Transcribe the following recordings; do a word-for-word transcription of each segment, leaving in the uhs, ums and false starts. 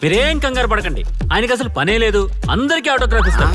మీరేం కంగారు పడకండి, ఆయనకి అసలు పనే లేదు, అందరికీ ఆటోగ్రాఫ్ ఇస్తాను.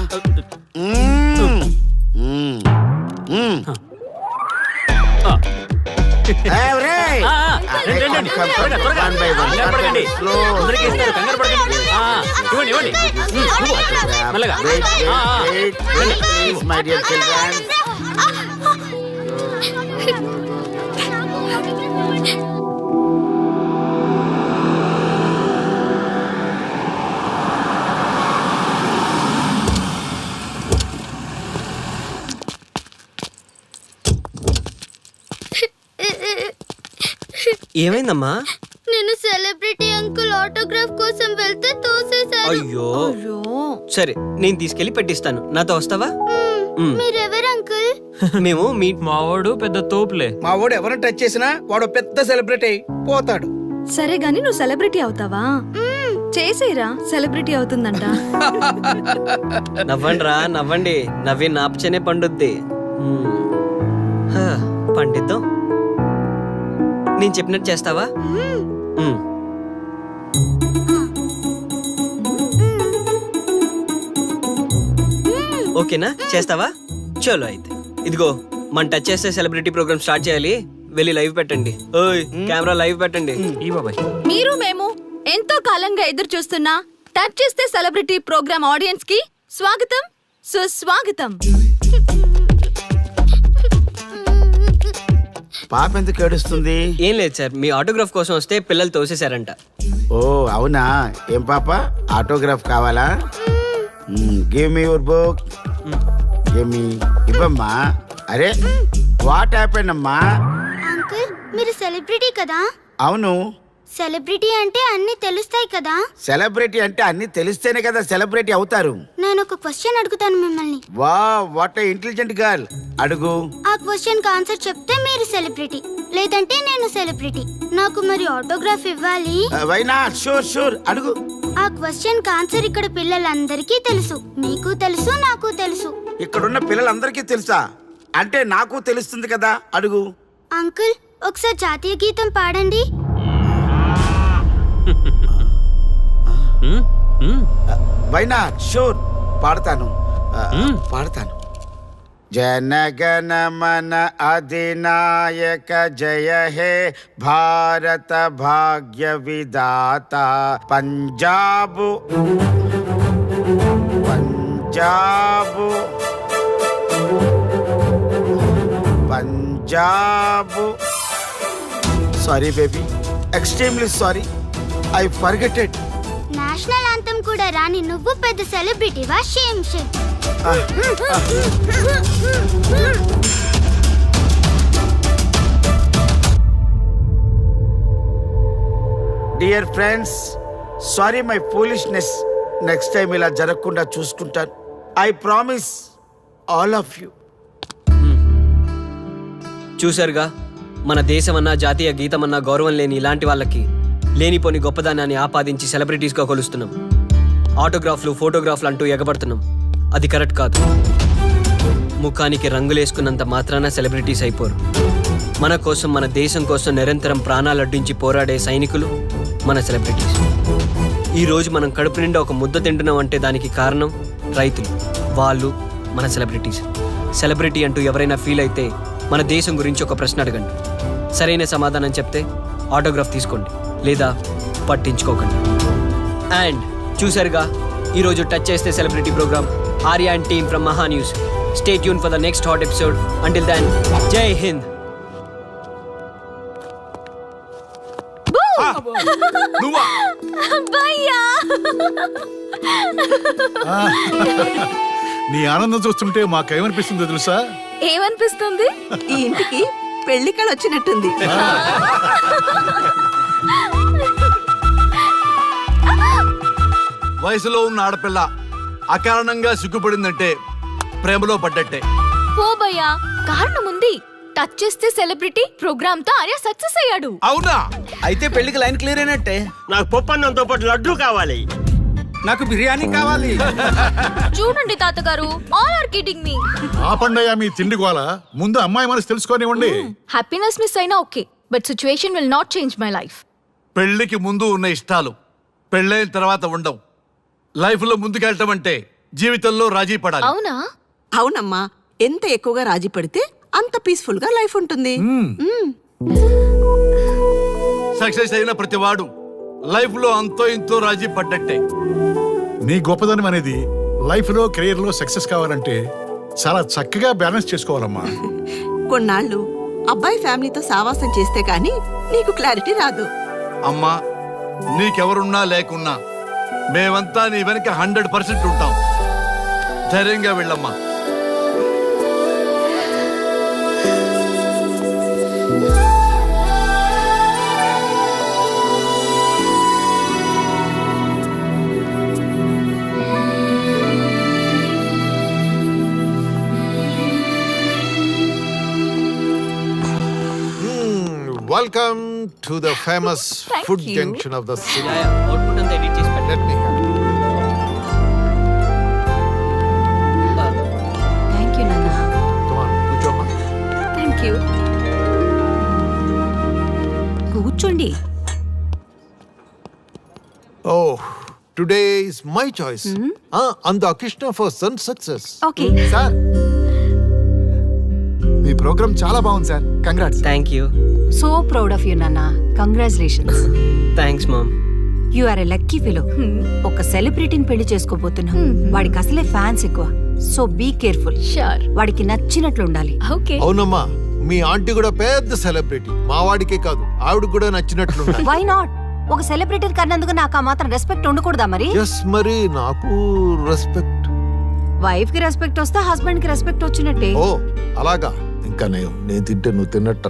ఏమైందమ్మా? నేను సెలబ్రిటీ అంకుల్ ఆటోగ్రాఫ్ కోసం వెళ్తే తోసేశారు. అయ్యో సరే, నేను తీసుకెళ్లి పెట్టిస్తాను. నాతో వస్తావా? మీరెవరు అంకుల్? మేము మీ మావాడు పెద్ద తోపులే. మా వాడు ఎవరిని టచ్ చేసినా వాడు పెద్ద సెలబ్రిటీ పోతాడు. సరే గాని నువ్వు సెలబ్రిటీ అవుతావా? చేసేరా, సెలబ్రిటీ అవుతుందంట. నవ్వండి రా, నవ్వండి. నవ్వి నాపచనే పండుద్ది. హ, పండిద్దాం. నేను చెప్పినట్టు చేస్తావా? మ్మ్. ఓకేనా? చేస్తావా? చలో అయితే. ఇదిగో, మన టచ్ చేస్తే సెలబ్రిటీ ప్రోగ్రామ్ స్టార్ట్ చేయాలి. వెళ్ళి లైవ్ పెట్టండి. ఓయ్, కెమెరా లైవ్ పెట్టండి. ఈ బాబాయ్, మీరు మేము ఎంతో కాలంగా ఎదురు చూస్తున్నా టచ్ చేస్తే సెలబ్రిటీ ప్రోగ్రామ్ ఆడియన్స్ కి స్వాగతం, సుస్వాగతం. పాప ఎందుకు ఏడుస్తుంది? ఏం లేదు సార్, మీ ఆటోగ్రాఫ్ కోసం వస్తే పిల్లలు తోసేశారంట. ఓ అవునా? ఏం పాప, ఆటోగ్రాఫ్ కావాలా? Give me your book. Give me. ఇవ్వమ్మా. అరే వాట్ హ్యాపెండ్ అమ్మా? అంకుల్ మీరు సెలబ్రిటీ కదా? అవును. సెలబ్రిటీ అంటే అన్ని తెలుస్తాయి కదా? సెలబ్రిటీ అంటే అన్ని తెలిస్తేనే కదా సెలబ్రిటీ అవుతారు. నేను ఒక క్వశ్చన్ అడుగుతాను మిమ్మల్ని. వా వాట్ ఇంటెలిజెంట్ గర్ల్. అడుగు. ఆ క్వశ్చన్ కి ఆన్సర్ చెప్తే మీరు సెలబ్రిటీ, లేదంటే నేను సెలబ్రిటీ. నాకు మరి ఆటోగ్రాఫ్ ఇవ్వాలి. Why not? షూర్ షూర్, అడుగు. ఆ క్వశ్చన్ కి ఆన్సర్ ఇక్కడ పిల్లలందరికీ తెలుసు, మీకు తెలుసు, నాకు తెలుసు. ఇక్కడున్న పిల్లలందరికీ తెలుసా? అంటే నాకు తెలుస్తుంది కదా. అడుగు. అంకుల్ ఒకసారి జాతీయ గీతం పాడండి. Why not? షూర్, పాడతాను. పాడతాను. జనగణ మన అధినాయక జయ హే భారత భాగ్య విధాత. Punjab Punjab Punjab sorry baby, extremely sorry, I forgetted. National anthem కూడా రాని నువ్వు పెద్ద సెలబ్రిటీవా? Shame shame. Dear friends, sorry my foolishness. Next time ఇలా జరగకుండా చూసుకుంటాను. I promise all of you. చూశారుగా, మన దేశమన్నా జాతీయ గీతమన్నా గౌరవం లేని ఇలాంటి వాళ్ళకి లేనిపోని గొప్పదానాన్ని ఆపాదించి సెలబ్రిటీస్గా కొలుస్తున్నాం. ఆటోగ్రాఫ్లు, ఫోటోగ్రాఫ్లు అంటూ ఎగబడుతున్నాం. అది కరెక్ట్ కాదు. ముఖానికి రంగులేసుకున్నంత మాత్రాన సెలబ్రిటీస్ అయిపోరు. మన కోసం, మన దేశం కోసం నిరంతరం ప్రాణాలు అడ్డించి పోరాడే సైనికులు మన సెలబ్రిటీస్. ఈరోజు మనం కడుపు నిండా ఒక ముద్ద తింటున్నాం అంటే దానికి కారణం రైతులు. వాళ్ళు మన సెలబ్రిటీస్. సెలబ్రిటీ అంటూ ఎవరైనా ఫీల్ అయితే మన దేశం గురించి ఒక ప్రశ్న అడగండి. సరైన సమాధానం చెప్తే ఆటోగ్రాఫ్ తీసుకోండి, లేదా పట్టించుకోకండి. అండ్ చూసారుగా, ఈరోజు టచ్ చేస్తే celebrity programme. Arya and team from Maha news. Stay tune for the next hot episode. Until then, Jai Hind. నీ ఆనందం చూస్తుంటే మాకేమనిపిస్తుందో తెలుసా? ఏమనిపిస్తుంది? ఈ ఇంటికి పెళ్లి కళ వచ్చినట్టుంది. వయసులో ఉన్న ఆడపిల్ల అకారణంగా సిగ్గుపడిందంటే ప్రేమలో పడ్డట్టే. పోబయ్యా, కారణం ఉంది. టచ్ చేస్తే సెలబ్రిటీ ప్రోగ్రామ్ తో ఆర్య సక్సెస్ అయ్యాడు. అవునా? అయితే పెళ్లికి లైన్ క్లియర్ అయినట్టే. నాకు పప్పన్నంతో పాటు లడ్డు కావాలి. నాకు బిర్యానీ కావాలి. చూడండి తాతగారు, ఆల్ ఆర్ కిడింగ్ మీ. ఆ పండయ్య మీ తిండి గోల. ముందు అమ్మాయి మనసు తెలుసుకోనివ్వండి. హ్యాపీనెస్ మిస్ అయినా okay, but situation will not change my life. పెళ్లికి ముందు ఉన్న ఇష్టాలు పెళ్ళైన తర్వాత ఉండవు. లైఫ్లో ముందుకెళ్ళటం అంటే జీవితంలో రాజీ పడాలి. అవునా? అవునమ్మా, ఎంత ఎక్కువగా రాజీ పడితే అంత పీస్ఫుల్ గా లైఫ్ ఉంటుంది. మ్మ్. సక్సెస్ అయిన ప్రతివాడు లైఫ్లో అంతో ఇంతో రాజీ పడ్డట్టే. నీ గొప్పదనం అనేది లైఫ్లో కెరీర్లో సక్సెస్ కావాలంటే చాలా చక్కగా బ్యాలెన్స్ చేసుకోవాలమ్మా. కొన్నాళ్ళు అబ్బాయి ఫ్యామిలీతో సావాసం చేస్తే గానీ నీకు క్లారిటీ రాదు. అమ్మా, నీకెవరున్నా లేకున్నా మేమంతా నీ వెనక హండ్రెడ్ పర్సెంట్ ఉంటాం. ధైర్యంగా వెళ్ళమ్మా. Welcome to the famous Thank food you. junction of the city. Output అంతా ఎడిట్ చేసి పెట్టండి. Let me have it. Thank you నాన్న. Come on, కూర్చోమ్మా. Thank you. కూర్చోండి. Oh, today is my choice. Ah, and the Krishna for son success. Okay. Sir మీ programme చాలా బాగుంది sir. Congrats. Thank you. So proud of you నాన్న. Congratulations. Thanks mom. You are a lucky fellow. ఒక సెలబ్రిటీని పెళ్లి చేసుకోబోతున్నాం. వాడికి అసలే ఫ్యాన్స్ ఎక్కువ. So be careful. షూర్. వాడికి నచ్చినట్లు ఉండాలి. ఓకే. అవునమ్మా, మీ ఆంటీ కూడా పెద్ద సెలబ్రిటీ. మా వాడికే కాదు, ఆవిడ కూడా నచ్చినట్లు వై నాట్? ఒక సెలబ్రిటీ కన్నందుకు నాకు ఆ మాత్రం రెస్పెక్ట్ ఉండకూడదా మరి? ఎస్, మరి నాకు రెస్పెక్ట్. వైఫ్ కి రెస్పెక్ట్ వస్తే హస్బెండ్ కి రెస్పెక్ట్ వచ్చినట్టే. ఓ అలాగా. ఇంకా నేను నేను తింటే నువ్వు తిన్నట్టు.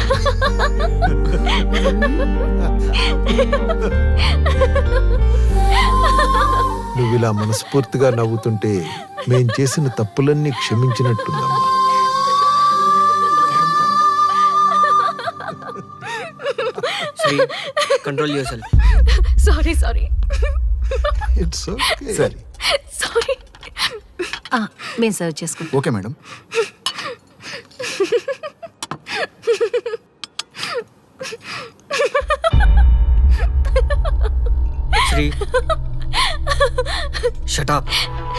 నువ్వు ఇలా మనస్ఫూర్తిగా నవ్వుతుంటే మేం చేసిన తప్పులన్నీ క్షమించినట్టుందమ్మా. Sri, control your sorry sorry it's okay. సరే సారీ. మేము సర్వ్ చేసుకుంటాం. Okay madam. Sri, shut up.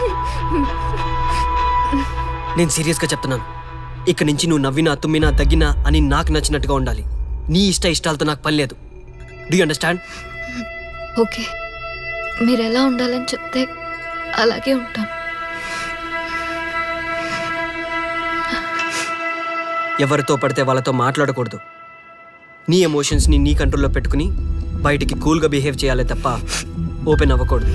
నేను సీరియస్గా చెప్తున్నాను. ఇక్కడి నుంచి నువ్వు నవ్వినా తుమ్మినా తగ్గినా అని నాకు నచ్చినట్టుగా ఉండాలి. నీ ఇష్ట ఇష్టాలతో నాకు పని లేదు. Do you understand? ఓకే, మీరు ఎలా ఉండాలని చెప్తే అలాగే ఉంటాను. ఎవరితో పడితే వాళ్ళతో మాట్లాడకూడదు. నీ ఎమోషన్స్ని నీ కంట్రోల్లో పెట్టుకుని బయటికి కూల్గా బిహేవ్ చేయాలి తప్ప ఓపెన్ అవ్వకూడదు.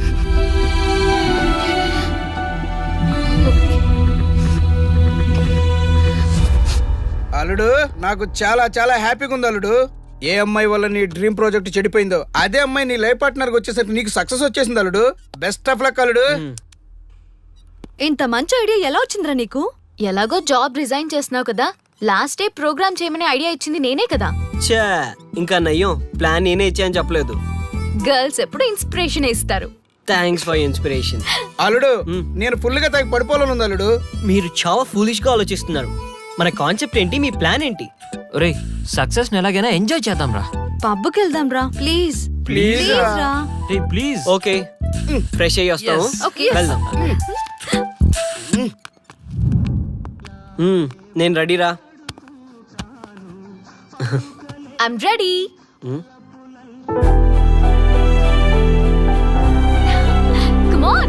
అల్లుడు, నాకు చాలా చాలా హ్యాపీగా ఉంది అల్లుడు. ఏ అమ్మాయి వల్ల నీ డ్రీమ్ ప్రాజెక్ట్ చెడిపోయిందో అదే అమ్మాయి నీ లైఫ్ పార్ట్నర్ వచ్చేసరికి నీకు సక్సెస్ వచ్చేసింది అల్లుడు. బెస్ట్ ఆఫ్ లక్ అల్లుడు. ఇంత మంచి ఐడియా ఎలా వచ్చిందిరా నీకు? ఎలాగో జాబ్ రిజైన్ చేస్తున్నావు కదా, లాస్ట్ డే ప్రోగ్రామ్ చేయమని ఐడియా ఇచ్చింది నేనే కదా. చా, ఇంకా నయ్యం ప్లాన్ నేనే ఇచ్చాయని చెప్పలేదు. గర్ల్స్ ఎప్పుడు ఇన్స్పిరేషన్ ఇస్తారు. Thanks for inspiration. అల్లుడు, నేను ఫుల్ గా తగ్గ పడిపోవాలని ఉంది అల్లుడు. మీరు చాలా ఫూలిష్ గా ఆలోచిస్తున్నారు. మన కాన్సెప్ట్ ఏంటి? మీ ప్లాన్ ఏంటి? ఒరే, సక్సెస్ ని ఎలాగైనా ఎంజాయ్ చేద్దాం రా. పబ్కి వెళ్దాం రా ప్లీజ్. ప్లీజ్ రా. రే ప్లీజ్. ఓకే, ఫ్రెష్ అయ్యి వస్తాము. Okay. వెళ్దాం. మ్మ్, నేను రెడీరా. I'm ready. Come on.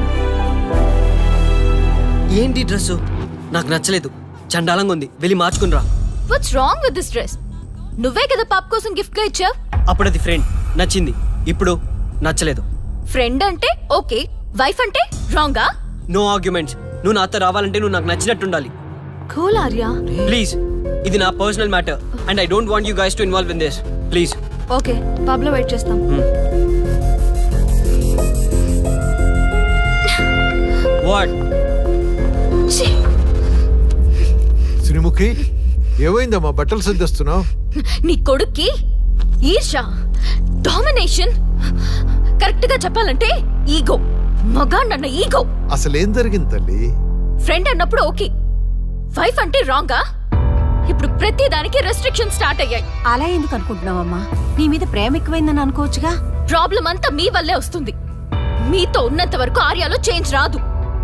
ఏంటి డ్రెస్? నాకు నచ్చలేదు, చండాలంగా ఉంది. వెళ్ళి మార్చుకునిరా. What's wrong with this dress? నువ్వే కదా పాప్ కోసం గిఫ్ట్ గా ఇచ్చావు. అప్పుడు అది ఫ్రెండ్, నచ్చింది. ఇప్పుడు నచ్చలేదు. ఫ్రెండ్ అంటే ఓకే, వైఫ్ అంటే రాంగా? No arguments. నువ్వు నాతో రావాలంటే నువ్వు నాకు నచ్చినట్టు ఉండాలి. కూల్ ఆర్యా. ప్లీజ్, ఇది నా personal matter and I don't want you guys to involve in this. Please. Okay, pub లో వెయిట్ చేస్తాం. వాట్? శ్రీముఖి, ఏమైందమ్మా? బట్టలు సర్దిస్తున్నావు? నీ కొడుక్కి ఈర్ష, డామినేషన్, కరెక్ట్ గా చెప్పాలంటే ఈగో. మగాండన్న ఈగో. అసలేం జరిగింది తల్లి? ఫ్రెండ్ అన్నప్పుడు ఓకే, వైఫ్ అంటే రాంగా? ఇప్పుడు ప్రతి దానికి రెస్ట్రిక్షన్ స్టార్ట్ అయ్యాయి. అలా ఎందుకు అనుకుంటున్నావమ్మా? నీ మీద ప్రేమ ఎక్కువైందని అనుకోవచ్చుగా. ప్రాబ్లం అంతా మీ వల్లే వస్తుంది. మీతో ఉన్నంత వరకు ఆర్యాలో చేంజ్ రాదు.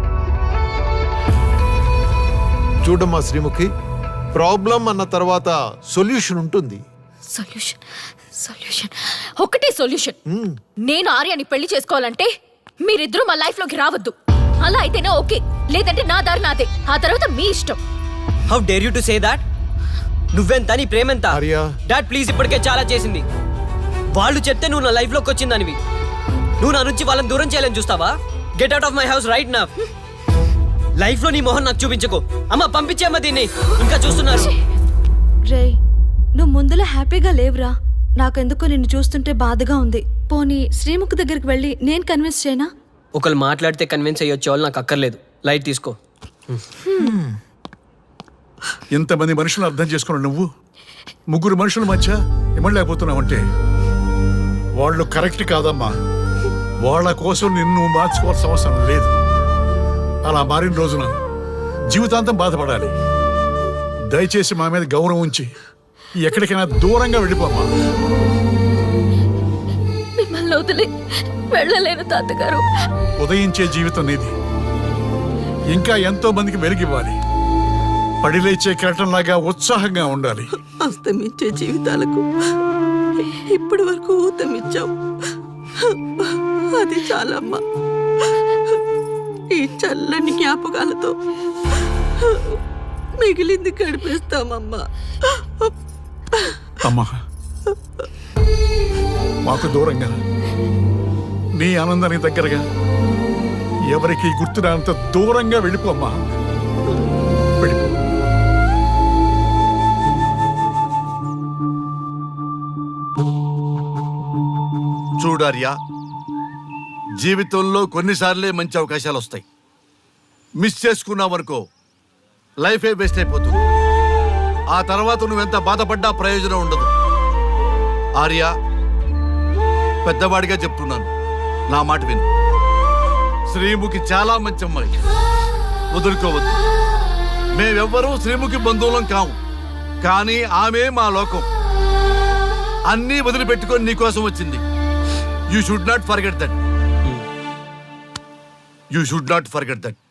చూడమ్మా శ్రీముఖి, ప్రాబ్లం అన్న తర్వాత సొల్యూషన్ ఉంటుంది. సొల్యూషన్ సొల్యూషన్ ఒకటే సొల్యూషన్. నేను ఆర్యాని పెళ్లి చేసుకోవాలంటే మీరిద్దరూ మా లైఫ్ లోకి రావద్దు. అలా అయితేనే ఓకే, లేదంటే నా దారి నాదే. ఆ తర్వాత మీ ఇష్టం. How dare you to say that? నువ్వెంత నీ ప్రేమెంత? ఆర్యా. డాడ్ ప్లీజ్, ఇప్పటికే చాలా చేసింది. వాళ్ళు చెప్తే నువ్వు నా లైఫ్ లోకి వచ్చిందనివి. నువ్వు నా నుంచి వాళ్ళని దూరం చేయాలని చూస్తావా? Get out of my house right now. Life లో నీ మొహం నాకు చూపించకు. అమ్మ పంపించేమ్మ దీన్ని, ఇంకా చూస్తున్నారు. రే, నువ్వు ముందులో హ్యాపీగా లేవురా. నాకెందుకో నిన్ను చూస్తుంటే బాధగా ఉంది. పోనీ శ్రీముఖ్ దగ్గరికి వెళ్ళి నేను కన్విన్స్ చేయనా? ఒకళ్ళు మాట్లాడితే కన్విన్స్ అయ్యొచ్చే వాళ్ళు నాకు అక్కర్లేదు. లైట్ తీసుకో. ఇంతమంది మనుషులు అర్థం చేసుకున్న నువ్వు ముగ్గురు మనుషుల మధ్య ఇమ్మలేకపోతున్నావంటే వాళ్ళు కరెక్ట్ కాదమ్మా. వాళ్ళ కోసం నిన్ను మార్చుకోవాల్సిన అవసరం లేదు. అలా మారిన రోజున జీవితాంతం బాధపడాలి. దయచేసి మా మీద గౌరవం ఉంచి ఎక్కడికైనా దూరంగా వెళ్ళిపోమ్మా. మిమ్మల్ని వదిలి వెళ్ళలేను తాతగారు. ఉదయించే జీవితం నీది. ఇంకా ఎంతో మందికి వెలిగివ్వాలి. పడిలేచే కెరటంలాగా ఉత్సాహంగా ఉండాలి. అస్తమించే జీవితాలకు ఇప్పటి వరకు ఊతమిచ్చావు. అది చాలమ్మా. ఈ చల్లని జ్ఞాపకాలతో మిగిలింది గడిపేస్తామమ్మా. అమ్మా, మాకు దూరంగా నీ ఆనందానికి దగ్గరగా ఎవరికి గుర్తురానంత దూరంగా వెళ్ళిపోమ్మా. వెళ్ళిపో. చూడార్యా, జీవితంలో కొన్నిసార్లే మంచి అవకాశాలు వస్తాయి. మిస్ చేసుకున్నావనుకో లైఫే వేస్ట్ అయిపోతుంది. ఆ తర్వాత నువ్వెంత బాధపడ్డా ప్రయోజనం ఉండదు. ఆర్య, పెద్దవాడిగా చెప్తున్నాను, నా మాట విను. శ్రీముఖి చాలా మంచి అమ్మాయి, వదులుకోవద్దు. మేమెవ్వరూ శ్రీముఖి బంధువులం కాము, కానీ ఆమె మా లోకం. అన్నీ వదిలిపెట్టుకొని నీకోసం వచ్చింది. You should not forget that. You should not forget that.